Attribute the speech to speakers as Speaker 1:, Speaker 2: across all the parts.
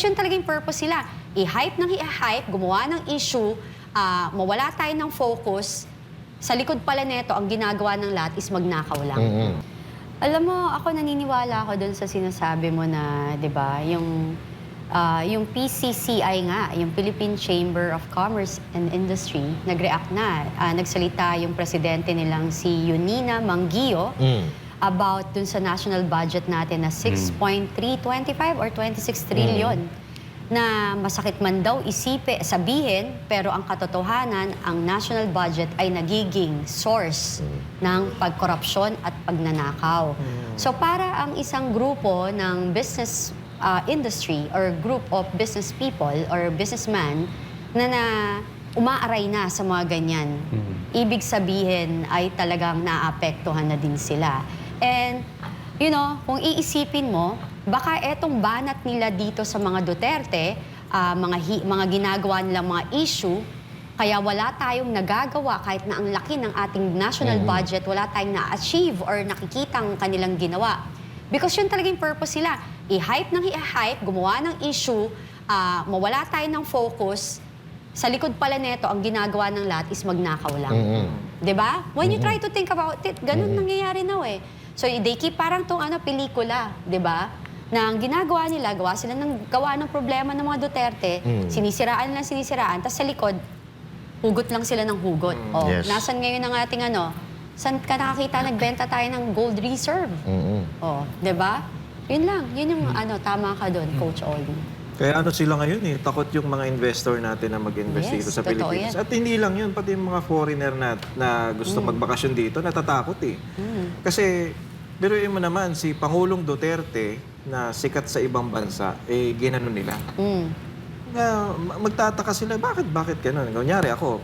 Speaker 1: Because yun talagang purpose sila. I-hype ng i-hype, gumawa ng issue, mawala tayo ng focus. Sa likod pala neto, ang ginagawa ng lahat is magnakaw lang. Alam mo, ako naniniwala ako dun sa sinasabi mo na, di ba, yung PCCI nga, yung Philippine Chamber of Commerce and Industry, nag-react na. Nagsalita yung presidente nilang si Yunina Mangguio about dun sa national budget natin na 6.325 or 26 trillion. Na masakit man daw sabihin, pero ang katotohanan, ang national budget ay nagiging source ng pagkorupsyon at pagnanakaw. So para ang isang grupo ng business industry or group of business people or businessman na umaaray na sa mga ganyan, ibig sabihin ay talagang naapektuhan na din sila. And, you know, kung iisipin mo, baka etong banat nila dito sa mga Duterte, mga ginagawa nilang mga issue, kaya wala tayong nagagawa kahit na ang laki ng ating national budget, wala tayong na-achieve or nakikitang kanilang ginawa. Because yun talagang purpose sila. I-hype ng i-hype, gumawa ng issue, mawala tayo ng focus. Sa likod pala neto, ang ginagawa ng lahat is magnakaw lang. Diba? When you try to think about it, ganun nangyayari na eh. So they keep parang tong pelikula, diba? Na ang ginagawa nila, gawa ng problema ng mga Duterte, sinisiraan lang sinisiraan, tapos sa likod, hugot lang sila ng hugot. Nasan ngayon ang ating saan ka nakakita nagbenta tayo ng gold reserve? Diba? Yun lang, yun yung tama ka doon, Coach Ollie.
Speaker 2: Kaya sila ngayon takot yung mga investor natin na mag-invest dito sa Pilipinas. At hindi lang yun, pati yung mga foreigner na gusto magbakasyon dito, natatakot Kasi, biruin mo naman, si Pangulong Duterte na sikat sa ibang bansa, ginano nila. Magtataka sila, bakit ganun? Kunyari ako,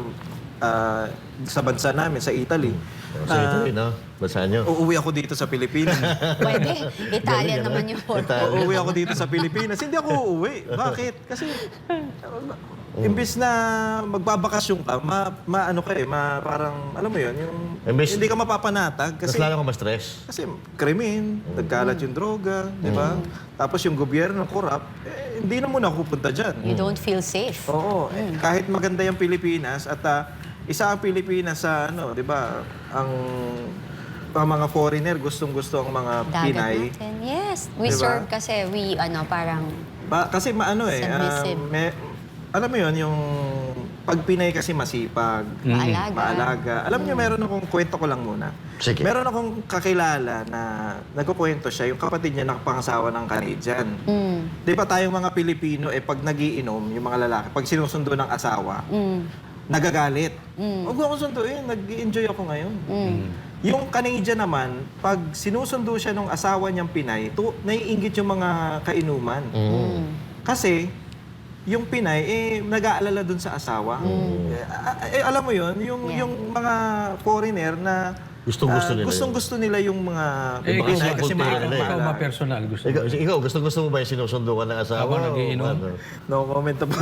Speaker 2: sa bansa namin, sa Italy.
Speaker 3: Sa Italy, no? Bansa nyo.
Speaker 2: Uuwi ako dito sa Pilipinas.
Speaker 1: Pwede. Italian naman yun.
Speaker 2: Uuwi ako dito sa Pilipinas. Hindi ako uuwi. Bakit? Kasi, imbis na magbabakasyon ka, parang, alam mo yun, hindi ka mapapanatag.
Speaker 3: Kasi, mas lalo ka ma-stress.
Speaker 2: Kasi krimen, nagkalat yung droga, di ba? Tapos yung gobyerno, corrupt, hindi na muna ako pupunta dyan.
Speaker 1: You don't feel safe.
Speaker 2: Oo. Kahit maganda yung Pilipinas at isa ang Pilipinas sa, di ba, ang mga foreigner, gustong-gusto ang mga Pinay.
Speaker 1: Natin. Yes. We
Speaker 2: Diba?
Speaker 1: serve kasi parang
Speaker 2: Kasi
Speaker 1: submissive.
Speaker 2: Alam mo yun, yung pag Pinay kasi masipag, maalaga. Alam niyo, meron akong kwento ko lang muna.
Speaker 3: Sige.
Speaker 2: Meron akong kakilala na nagkukwento siya, yung kapatid niya nakapangasawa ng Canadian. Di ba tayong mga Pilipino, pag nagiinom, yung mga lalaki, pag sinusundo ng asawa, nagagalit. Huwag mo akong sunduin, nag-enjoy ako ngayon. Yung Canadian naman, pag sinusundo siya ng asawa niyang Pinay, naiinggit yung mga kainuman. Kasi, yung Pinay, nag-aalala dun sa asawa. Alam mo yun, yung mga foreigner na
Speaker 3: Gustong-gusto nila.
Speaker 2: Gustong-gusto nila yung mga Pinay kasi
Speaker 3: ikaw
Speaker 4: ba personal?
Speaker 3: Ikaw, gusto mo ba yung sinusundo ka ng asawa?
Speaker 4: Habang nagiinom?
Speaker 2: No comment po.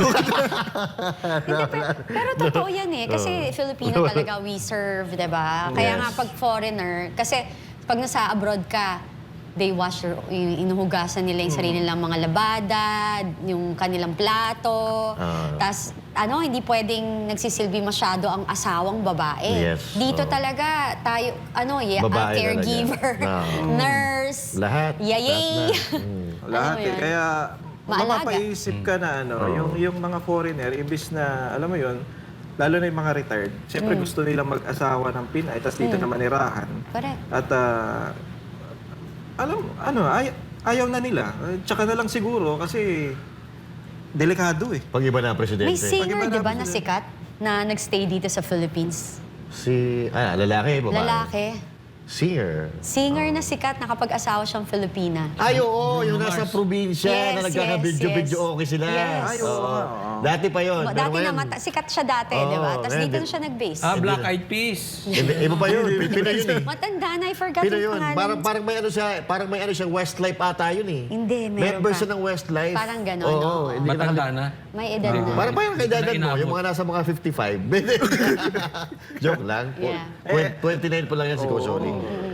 Speaker 1: Pero totoo yan kasi Filipino talaga we serve, diba? Kaya nga pag foreigner, kasi pag nasa abroad ka, they wash inuhugasan nila yung sarili nilang mga labada, yung kanilang plato. Tapos, hindi pwedeng nagsisilbi masyado ang asawang babae.
Speaker 3: Yes.
Speaker 1: Dito talaga, tayo,
Speaker 3: Babae
Speaker 1: caregiver, nurse,
Speaker 3: Lahat.
Speaker 1: yayay.
Speaker 2: Lahat Kaya,
Speaker 1: Maalaga.
Speaker 2: mapapaisip ka na, yung mga foreigner, imbis na, alam mo yun, lalo na yung mga retired, siyempre gusto nilang mag-asawa ng Pinay, tapos dito naman irahan.
Speaker 1: Correct.
Speaker 2: At, ayaw na nila. Tsaka na lang siguro kasi delikado
Speaker 3: Pag iba na ang presidente.
Speaker 1: May singer,
Speaker 2: Pag-iba
Speaker 1: di ba,
Speaker 2: na
Speaker 1: na sikat na nagstay dito sa Philippines?
Speaker 3: Lalaki, babae?
Speaker 1: Lalaki.
Speaker 3: Singer.
Speaker 1: Singer na sikat na kapag-asawa siyang Filipina.
Speaker 3: Ay, oo, yung nasa probinsya na
Speaker 1: Yes,
Speaker 3: nagkaka-video-video
Speaker 1: yes.
Speaker 3: okay sila.
Speaker 1: Yes.
Speaker 2: Ay, oo.
Speaker 3: Dati pa yun.
Speaker 1: Dati sikat siya dati, di ba? Tapos dito na siya nag-base.
Speaker 4: Black Eyed Peas.
Speaker 3: Iba pa yun. Pinoy yun eh.
Speaker 1: Matanda na, I forgot
Speaker 3: Pinoy
Speaker 1: yung
Speaker 3: yun.
Speaker 1: pangalan.
Speaker 3: Parang may siyang Westlife ata yun eh.
Speaker 1: Hindi, meron
Speaker 3: Member
Speaker 1: pa.
Speaker 3: siya ng Westlife.
Speaker 1: Parang ganon,
Speaker 3: Oo.
Speaker 1: oo.
Speaker 3: Hindi ka
Speaker 4: Matanda na.
Speaker 1: May edad na.
Speaker 3: Parang kaidadan mo,
Speaker 4: Inaabot.
Speaker 3: yung mga nasa mga 55. Joke lang.
Speaker 1: Yeah.
Speaker 3: 29 pa lang yan si Coach Oli.